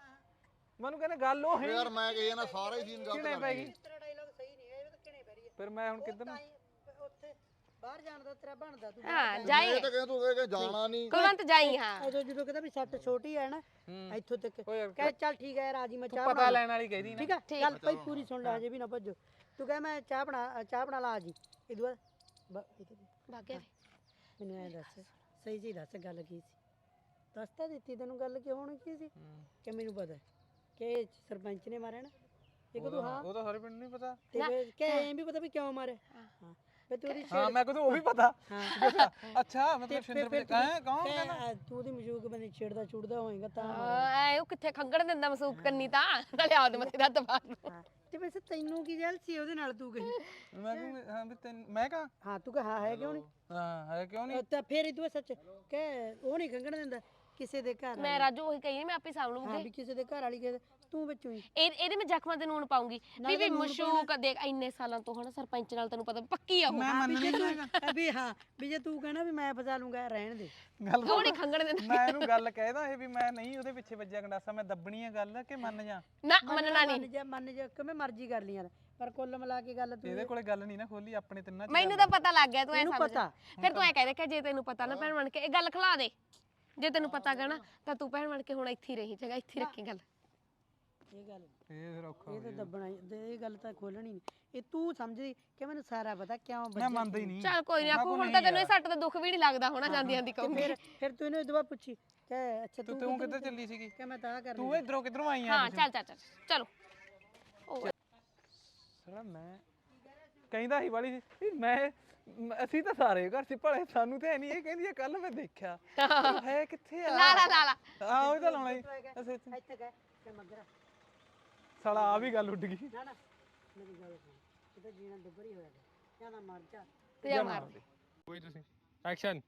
[SPEAKER 3] ਮੈਨੂੰ ਕਹਿੰਦੇ ਗੱਲ ਉਹ ਹੈ
[SPEAKER 6] ਯਾਰ ਮੈਂ ਕਹੀ ਨਾ ਸਾਰਾ ਹੀ ਸੀਨ ਗਲਤ
[SPEAKER 3] ਕਿਹਨੇ
[SPEAKER 6] ਕਰ
[SPEAKER 3] ਪੈ
[SPEAKER 6] ਗਈ
[SPEAKER 3] ਗਈ
[SPEAKER 1] ਤੇਰਾ ਡਾਇਲੌਗ ਸਹੀ ਨਹੀਂ ਹੈ ਇਹ ਤਾਂ ਕਿਹਨੇ ਪੈਰੀ
[SPEAKER 3] ਫਿਰ ਮੈਂ ਹੁਣ ਕਿੱਧਰ ਨੂੰ
[SPEAKER 1] ਉੱਥੇ ਬਾਹਰ ਜਾਣ ਦਾ ਤੇਰਾ ਬਣਦਾ ਤੂੰ
[SPEAKER 7] ਹਾਂ ਜਾਈ
[SPEAKER 6] ਇਹ ਤਾਂ ਕਹਿੰਦਾ ਤੂੰ ਕਿ ਜਾਣਾ ਨਹੀਂ
[SPEAKER 7] ਕੁਲਵੰਤ ਜਾਈ ਹਾਂ
[SPEAKER 1] ਉਦੋਂ ਜਦੋਂ ਕਹਿੰਦਾ ਵੀ ਸੱਟ ਛੋਟੀ ਹੈ ਨਾ ਇੱਥੋਂ ਤੱਕ
[SPEAKER 3] ਓ ਯਾਰ
[SPEAKER 1] ਕਹੇ ਚੱਲ ਠੀਕ ਹੈ ਰਾਜੀ ਮੈਂ
[SPEAKER 3] ਤੂੰ
[SPEAKER 1] ਚਾਹ
[SPEAKER 3] ਪਤਾ
[SPEAKER 1] ਬਣਾ
[SPEAKER 3] ਲੈਣ ਵਾਲੀ ਕਹਿਦੀ ਨਾ
[SPEAKER 1] ਠੀਕ ਹੈ ਗੱਲ ਭਾਈ ਪੂਰੀ ਸੁਣ ਲੈ ਹਜੇ ਵੀ ਨਾ ਭੱਜੋ ਤੂੰ ਕਹੇ ਮੈਂ ਚਾਹ ਬਣਾ ਚਾਹ ਬਣਾ ਲਾ ਜੀ ਇਹਦੇ ਬਾਅਦ ਬ- ਇਹ ਕਹਿੰਦੀ,
[SPEAKER 7] ਭਾਗਿਆ
[SPEAKER 1] ਮੈਨੂੰ ਐ ਦੱਸ ਸਹੀ ਜੀ ਦੱਸ ਗੱਲ ਕੀ ਸੀ ਦੱਸ ਤਾਂ ਦਿੱਤੀ ਤੈਨੂੰ ਗੱਲ ਕਿ ਹੋਣੀ ਕੀ ਸੀ ਕਿ ਮੈਨੂੰ ਪਤਾ ਹੈ ਕਿ ਇਹ ਸਰਪੰਚ ਨੇ ਮਾਰਿਆ ਨਾ ਇਹ ਕਦੋਂ ਹਾਂ
[SPEAKER 3] ਉਹ ਤਾਂ ਸਾਰੇ ਪਿੰਡ ਨੂੰ ਨਹੀਂ ਪਤਾ
[SPEAKER 1] ਤੇ ਫਿਰ ਕਿ ਐਂ ਵੀ ਪਤਾ ਵੀ ਕਿਉਂ ਮਾਰਿਆ ਹਾਂ ਫਿਰ ਤੂੰ ਉਹਦੀ
[SPEAKER 3] ਹਾਂ ਮੈਂ ਕਦੋਂ ਉਹ ਵੀ ਪਤਾ
[SPEAKER 1] ਹਾਂ
[SPEAKER 3] ਅੱਛਾ ਮਤਲਬ ਸ਼ਿੰਦਰ
[SPEAKER 1] ਫਿਰ
[SPEAKER 3] ਪੇ ਕਹਾਂ ਕੌਣ
[SPEAKER 1] ਕਿ,
[SPEAKER 3] ਕਹਿੰਦਾ
[SPEAKER 1] ਅ, ਤੂੰ ਉਹਦੀ ਮਸ਼ੂਕ ਬੰਦੇ ਛੇੜਦਾ ਛੁੜਦਾ ਹੋਏਗਾ ਤਾਂ
[SPEAKER 7] ਐ ਉਹ ਕਿੱਥੇ ਖੰਗਣ ਦਿੰਦਾ ਮਸੂਕ ਕੰਨੀ ਤਾਂ ਨਾਲੇ ਆਉਦ ਮੱਥੇ ਦਾ ਦਬਾ
[SPEAKER 1] ਹਾਂ ਤੇ ਵੈਸੇ ਤੈਨੂੰ ਕੀ ਜਲ ਸੀ ਉਹਦੇ ਨਾਲ ਤੂੰ ਕਹੀ
[SPEAKER 3] ਮੈਂ ਕਹੂੰ ਹਾਂ ਵੀ ਤੈਨੂੰ ਮੈਂ ਕਹਾਂ
[SPEAKER 1] ਹਾਂ ਤੂੰ ਕਹ ਹਾਂ ਹੈ ਕਿਉਂ ਨਹੀਂ
[SPEAKER 3] ਹਾਂ ਹੈ ਕਿਉਂ ਨਹੀਂ
[SPEAKER 1] ਤਾਂ ਫਿਰ ਇਹ ਤੂੰ ਸੱਚ ਕਿ ਉਹ ਨਹੀਂ ਖੰਗਣ ਦਿੰਦਾ ਕਿਸੇ ਦੇ ਘਰ
[SPEAKER 7] ਮੈਂ ਰਾਜੂ ਉਹੀ ਕਹੀ ਮੈਂ ਆਪੇ ਸਾਂਭ
[SPEAKER 1] ਹਾਂ
[SPEAKER 7] ਲੂੰਗੀ
[SPEAKER 1] ਵੀ ਕਿਸੇ ਦੇ ਘਰ ਵਾਲੀ ਕਿਸੇ ਦੇ- ਤੂੰ ਵਿੱਚੋਂ ਹੀ
[SPEAKER 7] ਇਹ ਇਹਦੇ ਮੈਂ ਜ਼ਖਮਾਂ ਤੇ ਨੂਣ ਪਾਉਂਗੀ ਵੀ ਵੀ ਮਸ਼ੂਕ ਦੇਖ ਇੰਨੇ ਸਾਲਾਂ ਤੋਂ ਹਨਾ ਸਰਪੰਚ ਨਾਲ ਤੈਨੂੰ ਪਤਾ ਪੱਕੀ ਆ ਉਹ
[SPEAKER 3] ਮੈਂ ਮੰਨ ਨਹੀਂ ਹੈਗਾ
[SPEAKER 1] ਵੀ ਹਾਂ ਵੀ ਜੇ ਤੂੰ ਕਹਿਣਾ ਵੀ ਮੈਂ ਫਸਾ ਲੂੰਗਾ ਰਹਿਣ ਦੇ
[SPEAKER 3] ਗੱਲ
[SPEAKER 7] ਉਹ ਨਹੀਂ ਖੰਗਣ ਦਿੰਦਾ
[SPEAKER 3] ਮੈਂ ਇਹਨੂੰ ਗੱਲ ਕਹਿਦਾ ਇਹ ਵੀ ਮੈਂ ਨਹੀਂ ਉਹਦੇ ਪਿੱਛੇ ਵੱਜਿਆ ਗੰਡਾਸਾ ਮੈਂ ਦੱਬਣੀ ਆ ਗੱਲ ਕਿ ਮੰਨ ਜਾ
[SPEAKER 7] ਨਾ ਮੰਨਣਾ ਨਹੀਂ
[SPEAKER 1] ਮੰਨ ਜਾ ਮੰਨ ਜਾ ਕਿਵੇਂ ਮਰਜ਼ੀ ਕਰ ਲਈ ਯਾਰ ਪਰ ਕੁੱਲ ਮਿਲਾ ਕੇ ਗੱਲ ਤੂੰ
[SPEAKER 3] ਇਹਦੇ ਕੋਲੇ ਗੱਲ ਨਹੀਂ ਨਾ ਖੋਲੀ ਆਪਣੇ ਤਿੰਨਾਂ ਚ
[SPEAKER 7] ਮੈਨੂੰ ਤਾਂ ਪਤਾ ਲੱਗ ਗਿਆ ਤੂੰ ਐ
[SPEAKER 1] ਇਹਨੂੰ
[SPEAKER 7] ਸਮਝ
[SPEAKER 1] ਪਤਾ।
[SPEAKER 7] ਫਿਰ ਤੂੰ ਐ ਕਹਿ ਦੇ ਕਿ ਜੇ ਤੈਨੂੰ ਪਤਾ ਨਾ ਭੈਣ ਬਣ ਕੇ ਇਹ ਗੱਲ ਖਿਲਾ ਦੇ ਜੇ ਤੈਨੂੰ ਪਤਾ ਗਾ ਨਾ ਤਾਂ ਤੂੰ ਭੈਣ ਬਣ ਕੇ ਹੁਣ ਇੱਥੇ ਹੀ ਰਹੀ ਜਗਾ ਇੱਥੇ ਹੀ ਰੱਖੀ ਗੱਲ
[SPEAKER 1] ਇਹ ਗੱਲ
[SPEAKER 3] ਇਹ ਫਿਰ ਔਖਾ
[SPEAKER 1] ਇਹ ਤਾਂ ਦੱਬਣਾ ਹੀ- ਤੇ ਇਹ ਗੱਲ ਤਾਂ ਖੋਲਣੀ ਨਹੀਂ ਇਹ ਤੂੰ ਸਮਝਦੀ ਕਿ ਮੈਨੂੰ ਸਾਰਾ ਪਤਾ ਕਿਉਂ
[SPEAKER 3] ਮੈਂ
[SPEAKER 1] ਵੱਜਿਆ
[SPEAKER 3] ਮੰਨਦਾ ਹੀ ਨਹੀਂ
[SPEAKER 7] ਚੱਲ ਕੋਈ ਨਹੀਂ ਆਪੂ ਹੁਣ ਤਾਂ ਤੈਨੂੰ ਇਹ ਸੱਟ ਦਾ ਦੁੱਖ ਵੀ ਨਹੀਂ ਲੱਗਦਾ ਹੋਣਾ ਜਾਂਦੀਆਂ ਦੀ
[SPEAKER 1] ਤੇ
[SPEAKER 7] ਕਹੂੰਗੀ
[SPEAKER 1] ਫਿਰ ਫਿਰ ਤੂੰ ਇਹਨੂੰ ਦੁਬਾਰਾ ਪੁੱਛੀ ਕਿ ਅੱਛਾ
[SPEAKER 3] ਤੂੰ
[SPEAKER 1] ਤੂੰ
[SPEAKER 3] ਤੂੰ ਕਿੱਧਰ ਚੱਲੀ ਸੀਗੀ
[SPEAKER 1] ਕਿ ਮੈਂ ਤਾਂ ਕਰ
[SPEAKER 3] ਤੂੰ ਇਧਰੋਂ ਕਿੱਧਰੋਂ ਆਈ ਆ
[SPEAKER 7] ਹਾਂ ਚੱਲ ਚੱਲ ਚੱਲ ਚਲੋ ਉਹ
[SPEAKER 3] ਸਾਲਾ ਮੈਂ ਕਹਿੰਦਾ ਸੀ ਵਾਲੀ ਵੀ ਮੈਂ ਮ- ਅਸੀਂ ਤਾਂ ਸਾਰੇ ਘਰ ਸੀ ਭਲੇ ਸਾਨੂੰ ਤੇ ਨਹੀਂ ਇਹ ਕਹਿੰਦੀ ਆ ਕੱਲ ਮੈਂ ਦੇਖਿਆ ਉਹ ਹੈ ਕਿੱਥੇ ਆ
[SPEAKER 7] ਲਾ ਲਾ ਲਾ ਲਾ
[SPEAKER 3] ਆ ਉਹ ਤਾਂ ਲਾਉਣਾ ਹੀ ਅਸੀਂ ਇੱਥੇ-
[SPEAKER 1] ਇੱਥੇ ਗਏ ਕਿ ਮਗਰ
[SPEAKER 3] ਸਾਲਾ ਆ ਵੀ ਗੱਲ ਉੱਡ ਗਈ
[SPEAKER 1] ਨਾ ਨਾ ਮੇਰੀ ਗੱਲ ਸੁਣ ਇਹ ਤਾਂ ਜੀਣਾ ਦੁੱਬਰੀ ਹੋਇਆ ਗਿਆ ਜਾਂ ਨਾ ਮਰ ਜਾ
[SPEAKER 7] ਤੇ ਜਾ ਮਾਰ ਦੇ
[SPEAKER 3] ਕੋਈ ਤੁਸੀਂ ਐਕਸ਼ਨ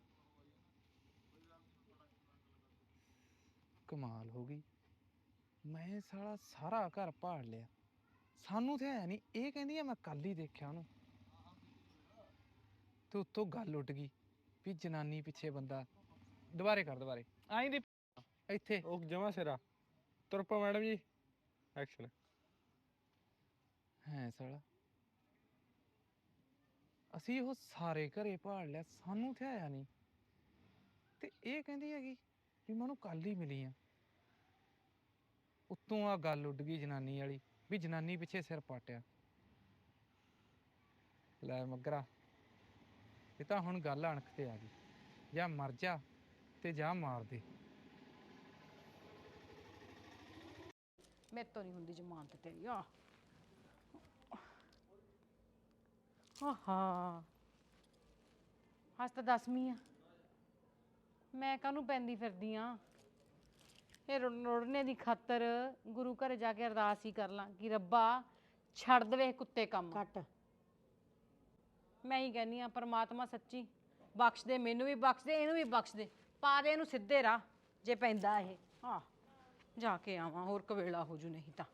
[SPEAKER 3] ਕਮਾਲ ਹੋ ਗਈ ਮੈਂ ਸਾਲਾ ਸਾਰਾ ਘਰ ਭਾੜ ਲਿਆ ਸਾਨੂੰ ਤੇ ਹੈ ਨਹੀਂ ਇਹ ਕਹਿੰਦੀ ਆ ਮੈਂ ਕੱਲ ਹੀ ਦੇਖਿਆ ਉਹਨੂੰ ਤੇ ਉੱਤੋਂ ਗੱਲ ਉੱਡ ਗਈ ਵੀ ਜਨਾਨੀ ਪਿੱਛੇ ਬੰਦਾ ਦੁਬਾਰੇ ਕਰ ਦੁਬਾਰੇ ਆਈ ਦੀ ਇੱਥੇ ਉਹ ਜਮਾ ਸਿਰਾ ਤੁਰਪਾ ਮੈਡਮ ਜੀ ਐਕਸ਼ਨ ਹੈ ਸਾਲਾ ਅਸੀਂ ਉਹ ਸਾਰੇ ਘਰੇ ਭਾਲ ਲਿਆ ਸਾਨੂੰ ਤੇ ਆਇਆ ਨਹੀਂ ਤੇ ਇਹ ਕਹਿੰਦੀ ਹੈਗੀ ਵੀ ਮੈਂ ਉਹਨੂੰ ਕੱਲ ਹੀ ਮਿਲੀ ਆ ਉੱਤੋਂ ਆ ਗੱਲ ਉੱਡ ਗਈ ਜਨਾਨੀ ਵਾਲੀ ਵੀ ਜਨਾਨੀ ਪਿੱਛੇ ਸਿਰ ਪਾਟਿਆ ਲੈ ਮਗਰਾ ਇਹ ਤਾਂ ਹੁਣ ਗੱਲ ਅਣਖ ਤੇ ਆ ਗਈ ਜਾਂ ਮਰ ਜਾ ਤੇ ਜਾਂ ਮਾਰ ਦੇ
[SPEAKER 8] ਮੇਰੇ ਤੋਂ ਨਹੀਂ ਹੁੰਦੀ ਜ਼ਮਾਨਤ ਤੇਰੀ ਆ ਆਹਾ ਅੱਜ ਤਾਂ ਦਸਵੀਂ ਆ ਮੈਂ ਕਾਹਨੂੰ ਪੈਂਦੀ ਫਿਰਦੀ ਆ ਇਹ ਰੁੜ- ਰੁੜਨੇ ਦੀ ਖਾਤਰ ਗੁਰੂ ਘਰ ਜਾ ਕੇ ਅਰਦਾਸ ਹੀ ਕਰ ਲਾਂ ਕਿ ਰੱਬਾ ਛੱਡ ਦੇਵੇ ਕੁੱਤੇ ਕੰਮ
[SPEAKER 1] ਕੱਟ
[SPEAKER 8] ਮੈਂ ਹੀ ਕਹਿੰਦੀ ਆ ਪਰਮਾਤਮਾ ਸੱਚੀ ਬਖਸ਼ ਦੇ ਮੈਨੂੰ ਵੀ ਬਖਸ਼ ਦੇ ਇਹਨੂੰ ਵੀ ਬਖਸ਼ ਦੇ ਪਾ ਦੇ ਇਹਨੂੰ ਸਿੱਧੇ ਰਾਹ ਜੇ ਪੈਂਦਾ ਇਹ ਹਾਂ ਜਾ ਕੇ ਆਵਾਂ ਹੋਰ ਕਵੇਲਾ ਹੋ ਜੂ ਨਹੀਂ ਤਾਂ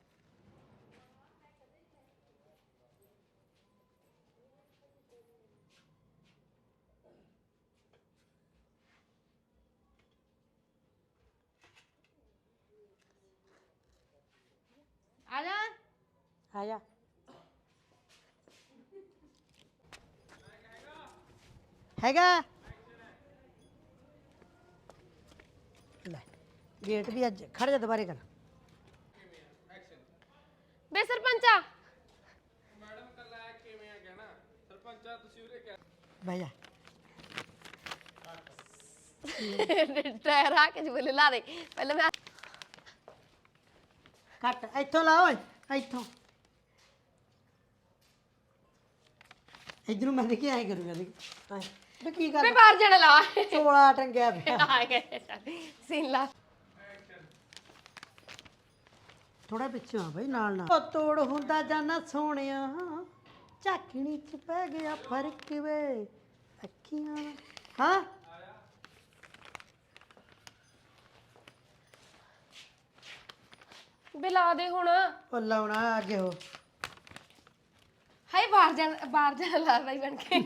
[SPEAKER 2] ਆ ਜਾ
[SPEAKER 1] ਆ ਜਾ ਹੈਗਾ ਲੈ ਗੇਟ ਵੀ ਅੱਜ ਖੜ ਜਾ ਦੁਬਾਰੇ ਕਰ
[SPEAKER 7] ਬੇ ਸਰਪੰਚਾ
[SPEAKER 1] ਬਹਿ ਜਾ
[SPEAKER 7] ਟਾਇਰ ਆ ਕੇ ਜੁਲੇ ਲਾ ਦੇ ਪਹਿਲਾਂ ਮੈਂ
[SPEAKER 1] ਕੱਟ ਇੱਥੋਂ ਲਾ ਓਏ ਇੱਥੋਂ ਇਧਰੋਂ ਮੈਂ ਦੇਖੀ ਆਏ ਕਰੂੰਗਾ ਦੇਖ ਆਏ ਬੇ ਕੀ ਕਰ
[SPEAKER 7] ਬੇ ਬਾਹਰ ਜਾਣਾ ਲਾ
[SPEAKER 1] ਚੋਲਾ ਟੰਗਿਆ ਪਿਆ
[SPEAKER 7] ਆ ਗਏ ਸੀਨ ਲਾ
[SPEAKER 1] ਥੋੜਾ ਪਿੱਛੇ ਆ ਬਈ ਨਾਲ ਨਾਲ ਉਹ ਤੋੜ ਹੁੰਦਾ ਜਾਨਾ ਸੋਹਣਿਆ ਝਾਕਣੀ ਚ ਪੈ ਗਿਆ ਫਰਕ ਵੇ ਅੱਖੀਆਂ ਹਾਂ
[SPEAKER 7] ਬਿਲਾ ਦੇ ਹੁਣ।
[SPEAKER 1] ਉਹ ਲਾਉਣਾ ਅੱਗੇ ਹੋ।
[SPEAKER 7] ਹਾਏ ਬਾਹਰ ਜਾ ਬਾਹਰ ਜਾ ਲਾ ਬਾਈ ਬਣ ਕੇ।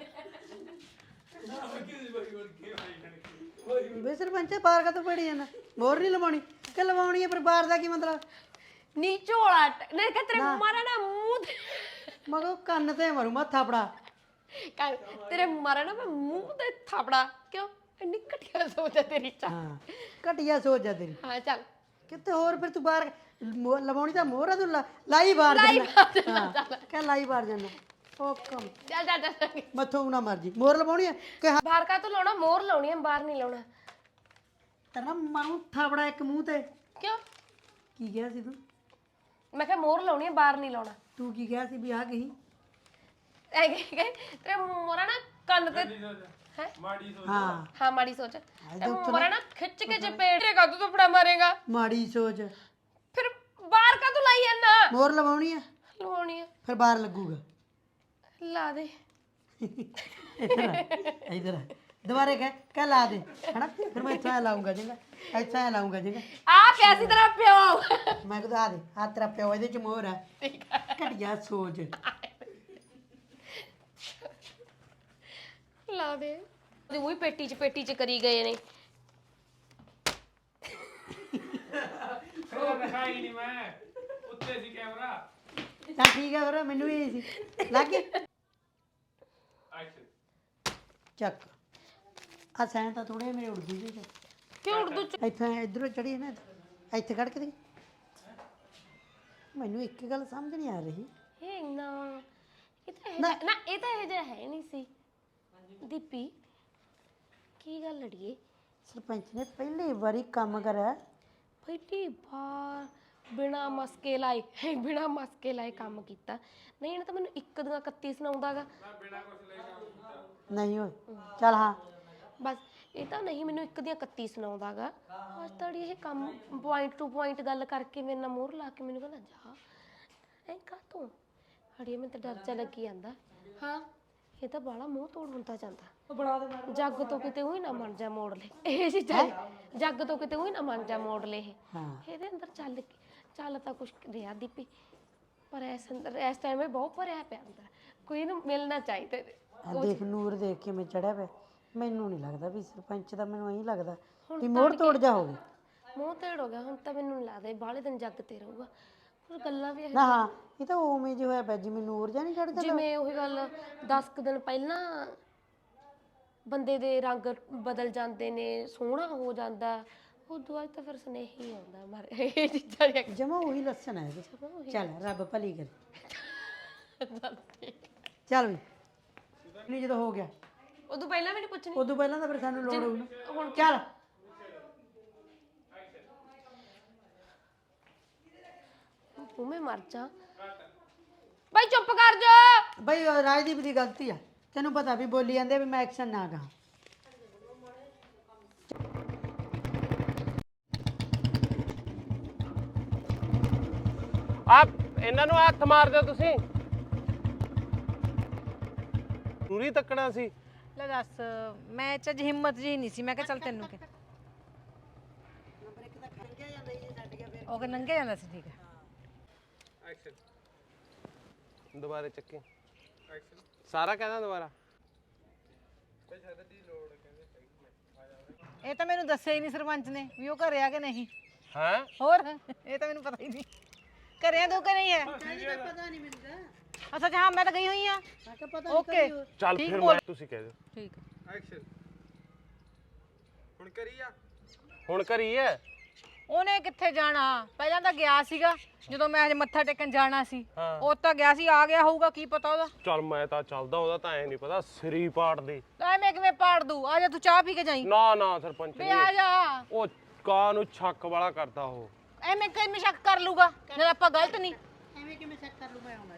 [SPEAKER 1] ਵੇ ਸਰਪੰਚ ਬਾਹਰ ਕਾ ਤੋਂ ਪੜੀ ਜਾਂਦਾ, ਮੋਰ ਨਹੀਂ ਲਵਾਉਣੀ ਕਿ ਲਵਾਉਣੀ ਹੈ, ਪਰ ਬਾਹਰ ਦਾ ਕੀ ਮਤਲਬ?
[SPEAKER 7] ਨੀ ਝੋਲਾ ਨੇ ਕਿ ਤੇਰੇ ਮਾਰਾ ਨਾ ਮੂੰਹ ਤੇ
[SPEAKER 1] ਮਗੋ ਕੰਨ ਤੇ ਮਾਰੂ ਮੈਂ ਥਾਪੜਾ।
[SPEAKER 7] ਕਰ ਤੇਰੇ ਮਾਰਾ ਨਾ ਮੈਂ ਮੂੰਹ ਤੇ ਥਾਪੜਾ। ਕਿਉਂ ਇੰਨੀ ਘਟੀਆ ਸੋਚ ਹੈ ਤੇਰੀ? ਚਾ
[SPEAKER 1] ਹਾਂ ਘਟੀਆ ਸੋਚ ਜਾ ਤੇਰੀ।
[SPEAKER 7] ਹਾਂ ਚੱਲ
[SPEAKER 1] ਕਿਤੇ ਹੋਰ ਫਿਰ ਤੂੰ ਬਾਹਰ ਮੋ- ਲਵਾਉਣੀ ਤਾਂ ਮੋਹਰਾ ਤੂੰ ਲਾ- ਲਾਈ ਬਾਹਰ
[SPEAKER 7] ਲਾਈ
[SPEAKER 1] ਜਾਨਾ।
[SPEAKER 7] ਬਾਹਰ ਜਾਨਾ,
[SPEAKER 1] ਹਾਂ,
[SPEAKER 7] ਚੱਲ।
[SPEAKER 1] ਕਹਿ ਲਾਈ ਬਾਹਰ ਜਾਨਾ। ਉਹ ਕੰਮ
[SPEAKER 7] ਚੱਲ ਚੱਲ ਚੱਲ।
[SPEAKER 1] ਮੱਥੋਂ ਨਾ ਮਰਜੀ ਮੋਰ ਲਵਾਉਣੀ ਹੈ ਕਿ ਹਾਂ
[SPEAKER 7] ਬਾਹਰ ਕਾ ਤੂੰ ਲਾਉਣਾ? ਮੋਰ ਲਾਉਣੀ ਹੈ, ਬਾਹਰ ਨਹੀਂ ਲਾਉਣਾ।
[SPEAKER 1] ਤੇਰਾ ਮਾਰੂ ਥਾਪੜਾ ਇੱਕ ਮੂੰਹ ਤੇ।
[SPEAKER 7] ਕਿਉਂ?
[SPEAKER 1] ਕੀ ਕਿਹਾ ਸੀ ਤੂੰ?
[SPEAKER 7] ਮੈਂ ਕਿਹਾ ਮੋਰ ਲਾਉਣੀ ਹੈ, ਬਾਹਰ ਨਹੀਂ ਲਾਉਣਾ।
[SPEAKER 1] ਤੂੰ ਕੀ ਕਿਹਾ ਸੀ ਵੀ ਆ ਗਈ?
[SPEAKER 7] ਐ ਕਿ ਤੇਰੇ ਮੋਰਾ ਨਾ ਕੰਨ ਤੇ ਹੈ
[SPEAKER 1] ਹਾਂ
[SPEAKER 7] ਹਾਂ ਮਾੜੀ ਸੋਚ।
[SPEAKER 1] ਇਹਦੇ
[SPEAKER 7] ਤੇ
[SPEAKER 1] ਉੱਤੇ
[SPEAKER 7] ਮੋਰਾ ਨਾ ਖਿੱਚ ਕੇ ਚਪੇਟ ਰੇ ਕਾ ਤੂੰ ਥਪੜਾ ਮਾਰੇਗਾ।
[SPEAKER 1] ਮਾੜੀ ਸੋਚ।
[SPEAKER 7] ਫਿਰ ਬਾਹਰ ਕਾ ਤੂੰ ਲਾਈ ਜਾਂਦਾ?
[SPEAKER 1] ਮੋਰ ਲਵਾਉਣੀ ਹੈ
[SPEAKER 7] ਲਵਾਉਣੀ ਹੈ,
[SPEAKER 1] ਫਿਰ ਬਾਹਰ ਲੱਗੂਗਾ।
[SPEAKER 7] ਲਾ ਦੇ।
[SPEAKER 1] ਇਧਰ ਆ, ਇਧਰ ਆ। ਦੁਬਾਰੇ ਕਹਿ ਕਹਿ ਲਾ ਦੇ ਹਨਾ, ਫਿਰ ਮੈਂ ਇੱਥੋਂ ਐ ਲਾਉਂਗਾ ਜਿੰਗਾ, ਇੱਥੋਂ ਐ ਲਾਉਂਗਾ ਜਿੰਗਾ।
[SPEAKER 7] ਆ ਪਿਆ ਸੀ ਤੇਰਾ ਪਿਓ।
[SPEAKER 1] ਮੈਂ ਕਹਿੰਦਾ ਆ ਦੇ ਆ ਤੇਰਾ ਪਿਓ, ਇਹਦੇ ਚ ਮੋਹਰ ਹੈ। ਘਟੀਆ ਸੋਚ।
[SPEAKER 7] ਲਾ ਦੇ। ਤੇ ਉਹੀ ਪੇਟੀ ਚ ਪੇਟੀ ਚ ਕਰੀ ਗਏ ਨੇ।
[SPEAKER 3] ਦਿਖਾਈ ਨਹੀਂ ਮੈਂ ਉੱਤੇ ਸੀ ਕੈਮਰਾ।
[SPEAKER 1] ਤਾਂ ਠੀਕ ਹੈ ਫਿਰ ਮੈਨੂੰ ਵੀ ਇਹੀ ਸੀ ਲੱਗ ਗਿਆ। ਚੱਕ ਆ ਸੈਂ ਤਾਂ ਥੋੜੇ ਮੇਰੇ ਉੜ ਗਈ ਜੀ।
[SPEAKER 7] ਕਿਉਂ ਉਰਦੂ ਚ?
[SPEAKER 1] ਇੱਥੇ ਇਧਰੋਂ ਚੜੀ ਨਾ, ਇੱਥੇ ਕੱਢ ਕੇ ਦੇ। ਮੈਨੂੰ ਇੱਕ ਗੱਲ ਸਮਝ ਨਹੀਂ ਆ ਰਹੀ।
[SPEAKER 7] ਇਹ ਇੰਨਾ ਇਹ ਤਾਂ ਇਹ ਨਾ ਇਹ ਤਾਂ ਇਹ ਜਿਹਾ ਹੈ ਨਹੀਂ ਸੀ। ਦੀਪੀ ਕੀ ਗੱਲ ਅੜੀਏ?
[SPEAKER 1] ਸਰਪੰਚ ਨੇ ਪਹਿਲੀ ਵਾਰੀ ਕੰਮ ਕਰਿਆ।
[SPEAKER 7] ਪਹਿਲੀ ਵਾਰ ਬਿਨਾ ਮਸਕੇ ਲਾਏ ਬਿਨਾ ਮਸਕੇ ਲਾਏ ਕੰਮ ਕੀਤਾ। ਨਹੀਂ ਇਹਨੇ ਤਾਂ ਮੈਨੂੰ ਇੱਕ ਦੀਆਂ ਇਕੱਤੀ ਸੁਣਾਉਂਦਾਗਾ।
[SPEAKER 1] ਨਹੀਂ ਓਏ ਚੱਲ ਹਾਂ
[SPEAKER 7] ਬਸ ਇਹ ਤਾਂ ਨਹੀਂ ਮੈਨੂੰ ਇੱਕ ਦੀਆਂ ਇਕੱਤੀ ਸੁਣਾਉਂਦਾਗਾ। ਅੱਜ ਤਾਂ ਇਹ ਕੰਮ ਪੁਆਇੰਟ ਟੂ ਪੁਆਇੰਟ ਗੱਲ ਕਰਕੇ ਮੇਰੇ ਨਾਲ ਮੋਹਰ ਲਾ ਕੇ ਮੈਨੂੰ ਕਹਿੰਦਾ ਜਾ ਐਂ ਕਾ ਤੂੰ ਅੜੀਏ ਮੈਨੂੰ ਤਾਂ ਡਰ ਜਾ ਲੱਗੀ ਜਾਂਦਾ। ਹਾਂ ਇਹ ਤਾਂ ਬਾਲਾ ਮੂੰਹ ਤੋੜ ਹੁੰਦਾ ਜਾਂਦਾ। ਜੱਗ ਤੋਂ ਕਿਤੇ ਉਹੀ ਨਾ ਮਨ ਜਾ ਮੋੜ ਲੈ ਇਹ ਜੀ ਜੱਗ ਤੋਂ ਕਿਤੇ ਉਹੀ ਨਾ ਮਨ ਜਾ ਮੋੜ ਲੈ ਇਹ ਇਹਦੇ ਅੰਦਰ ਚੱਲ ਚੱਲ ਤਾਂ ਕੁਛ ਰਿਹਾ ਦੀਪੀ, ਪਰ ਇਸ ਅੰਦਰ ਇਸ ਟਾਈਮ ਇਹ ਬਹੁਤ ਭਰਿਆ ਪਿਆ ਅੰਦਰ। ਕੋਈ ਇਹਨੂੰ ਮਿਲਣਾ ਚਾਹੀਦਾ।
[SPEAKER 1] ਆ ਦੇਖ ਨੂਰ ਦੇਖ ਕੇ ਮੈਂ ਚੜਿਆ ਪਿਆ। ਮੈਨੂੰ ਨਹੀਂ ਲੱਗਦਾ ਵੀ ਸਰਪੰਚ ਦਾ, ਮੈਨੂੰ ਐਂ ਲੱਗਦਾ ਵੀ ਮੋੜ ਤੋੜ ਜਾ ਹੋਵੇ।
[SPEAKER 7] ਮੂੰਹ ਤੇੜ ਹੋ ਗਿਆ ਹੁਣ ਤਾਂ ਮੈਨੂੰ ਨਹੀਂ ਲੱਗਦਾ ਬਾਹਲੇ ਦਿਨ ਜੱਗ ਤੇ ਰਹੂਗਾ। ਪਰ ਗੱਲਾਂ ਵੀ
[SPEAKER 1] ਨਾ ਹਾਂ ਇਹ ਤਾਂ ਉਵੇਂ ਜਿਹਾ ਹੋਇਆ ਪਿਆ ਜਿਵੇਂ ਨੂਰ ਜਾਂ ਨਹੀਂ ਚੜਦਾ।
[SPEAKER 7] ਜਿਵੇਂ ਉਹੀ ਗੱਲ ਦਸ ਕੁ ਦਿਨ ਪਹਿਲਾਂ ਬੰਦੇ ਦੇ ਰੰਗ ਬਦਲ ਜਾਂਦੇ ਨੇ, ਸੋਹਣਾ ਹੋ ਜਾਂਦਾ, ਉਦੋਂ ਬਾਅਦ ਤਾਂ ਫਿਰ ਸੁਨੇਹੀ ਆਉਂਦਾ ਮਰ ਇਹ ਚੀਜ਼ਾਂ ਦੀਆਂ।
[SPEAKER 1] ਜਮਾ ਉਹੀ ਲੱਛਣ ਹੈ ਇਹਦੇ। ਚੱਲ ਰੱਬ ਭਲੀ ਕਰੇ। ਚੱਲ ਵੀ ਨਹੀਂ ਜਦੋਂ ਹੋ ਗਿਆ
[SPEAKER 7] ਉਦੋਂ ਪਹਿਲਾਂ ਵੀ ਨਹੀਂ ਪੁੱਛਣੀ।
[SPEAKER 1] ਉਦੋਂ ਪਹਿਲਾਂ ਤਾਂ ਫਿਰ ਸਾਨੂੰ ਲੋੜ ਹੋਊ ਨਾ। ਹੁਣ ਚੱਲ
[SPEAKER 7] ਤੂੰ ਮੈਂ ਮਰ ਜਾ ਬਾਈ, ਚੁੱਪ ਕਰ ਜਾ
[SPEAKER 1] ਬਈ ਉਹ ਰਾਜਦੀਪ ਦੀ ਗਲਤੀ ਆ। ਤੈਨੂੰ ਪਤਾ ਵੀ ਬੋਲੀ ਜਾਂਦੇ ਵੀ ਮੈਂ ਐਕਸ਼ਨ ਨਾ ਕਰਾਂ।
[SPEAKER 9] ਆ ਇਹਨਾਂ ਨੂੰ ਹੱਥ ਮਾਰ ਦਿਓ ਤੁਸੀਂ। ਪੂਰੀ ਤੱਕਣਾ ਸੀ।
[SPEAKER 8] ਲੈ ਦੱਸ, ਮੈਂ ਚ ਅੱਜ ਹਿੰਮਤ ਜੀ ਨਹੀਂ ਸੀ। ਮੈਂ ਕਿਹਾ ਚੱਲ ਤੈਨੂੰ ਕਿ ਉਹ ਕਿ ਨੰਗੇ ਜਾਂਦਾ ਸੀ। ਠੀਕ ਹੈ
[SPEAKER 9] ਐਕਸ਼ਨ ਦੁਬਾਰੇ ਚੱਕੀ। ਐਕਸ਼ਨ ਸਾਰਾ ਕਹਿੰਦਾ ਦੁਬਾਰਾ।
[SPEAKER 8] ਇਹ ਤਾਂ ਮੈਨੂੰ ਦੱਸਿਆ ਹੀ ਨਹੀਂ ਸਰਪੰਚ ਨੇ ਵੀ ਉਹ ਘਰੇ ਆ ਕਿ ਨਹੀਂ।
[SPEAKER 9] ਹੈ
[SPEAKER 8] ਹੋਰ ਇਹ ਤਾਂ ਮੈਨੂੰ ਪਤਾ ਹੀ ਨਹੀਂ ਘਰੇ ਆ ਤੂੰ ਕਿ ਨਹੀਂ ਹੈ।
[SPEAKER 1] ਪਤਾ ਨਹੀਂ ਮੈਨੂੰ ਤਾਂ।
[SPEAKER 8] ਅੱਛਾ ਹਾਂ ਮੈਂ ਤਾਂ ਗਈ ਹੋਈ ਆ।
[SPEAKER 1] ਮੈਂ ਕਿਹਾ ਪਤਾ
[SPEAKER 8] ਓਕੇ
[SPEAKER 9] ਚੱਲ ਫਿਰ ਮੈਂ ਤੁਸੀਂ ਕਹਿ ਦਿਓ।
[SPEAKER 8] ਠੀਕ ਹੈ।
[SPEAKER 3] ਐਕਸ਼ਨ ਹੁਣ ਕਰੀ ਆ।
[SPEAKER 9] ਹੁਣ ਕਰੀ ਐ।
[SPEAKER 8] ਉਹਨੇ ਕਿੱਥੇ ਜਾਣਾ, ਪਹਿਲਾਂ ਤਾਂ ਗਿਆ ਸੀਗਾ ਜਦੋਂ ਮੈਂ ਹਜੇ ਮੱਥਾ ਟੇਕਣ ਜਾਣਾ ਸੀ।
[SPEAKER 9] ਹਾਂ।
[SPEAKER 8] ਉਹ ਤਾਂ ਗਿਆ ਸੀ, ਆ ਗਿਆ ਹੋਊਗਾ ਕੀ ਪਤਾ ਉਹਦਾ।
[SPEAKER 9] ਚੱਲ ਮੈਂ ਤਾਂ ਚੱਲਦਾ, ਉਹਦਾ ਤਾਂ ਐ ਨਹੀਂ ਪਤਾ ਸਿਰੀ ਪਾੜ ਦੇ।
[SPEAKER 8] ਐਵੇਂ ਕਿਵੇਂ ਪਾੜ ਦੂ? ਆ ਜਾ ਤੂੰ ਚਾਹ ਪੀ ਕੇ ਜਾਈ।
[SPEAKER 9] ਨਾ ਨਾ ਸਰਪੰਚ
[SPEAKER 8] ਵੇ ਆ ਜਾ।
[SPEAKER 9] ਉਹ ਕਾਂ ਨੂੰ ਛੱਕ ਵਾਲਾ ਕਰਦਾ ਉਹ।
[SPEAKER 8] ਐਵੇਂ ਕਿਵੇਂ ਸ਼ੱਕ ਕਰ ਲੂਗਾ ਜਦ ਆਪਾਂ ਗਲਤ ਨਹੀਂ।
[SPEAKER 1] ਐਵੇਂ ਕਿਵੇਂ ਚੈੱਕ ਕਰ ਲੂ ਮੈਂ ਆਉਣਾ।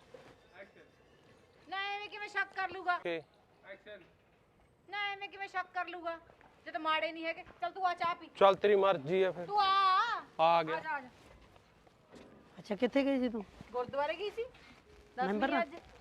[SPEAKER 8] ਨਾ ਐਵੇਂ ਕਿਵੇਂ ਸ਼ੱਕ ਕਰ ਲੂਗਾ?
[SPEAKER 9] ਕਿ
[SPEAKER 3] ਐਕਸ਼ਨ
[SPEAKER 8] ਨਾ ਐਵੇਂ ਕਿਵੇਂ ਸ਼ੱਕ ਕਰ ਲੂਗਾ ਜਦ ਮਾੜੇ ਨਹੀਂ ਹੈਗੇ। ਚੱਲ ਤੂੰ ਆ ਚਾਹ ਪੀ।
[SPEAKER 9] ਚੱਲ ਤੇਰੀ ਮਰਜ਼ੀ ਐ ਫਿਰ।
[SPEAKER 8] ਤੂੰ ਆ
[SPEAKER 9] ਆ ਗਿਆ।
[SPEAKER 8] ਆ ਜਾ, ਆ ਜਾ।
[SPEAKER 1] ਅੱਛਾ ਕਿੱਥੇ ਗਈ ਸੀ ਤੂੰ?
[SPEAKER 8] ਗੁਰਦੁਆਰੇ ਗਈ ਸੀ।
[SPEAKER 1] ਮੈਂਬਰ ਨਾਲ?
[SPEAKER 8] ਅੱਜ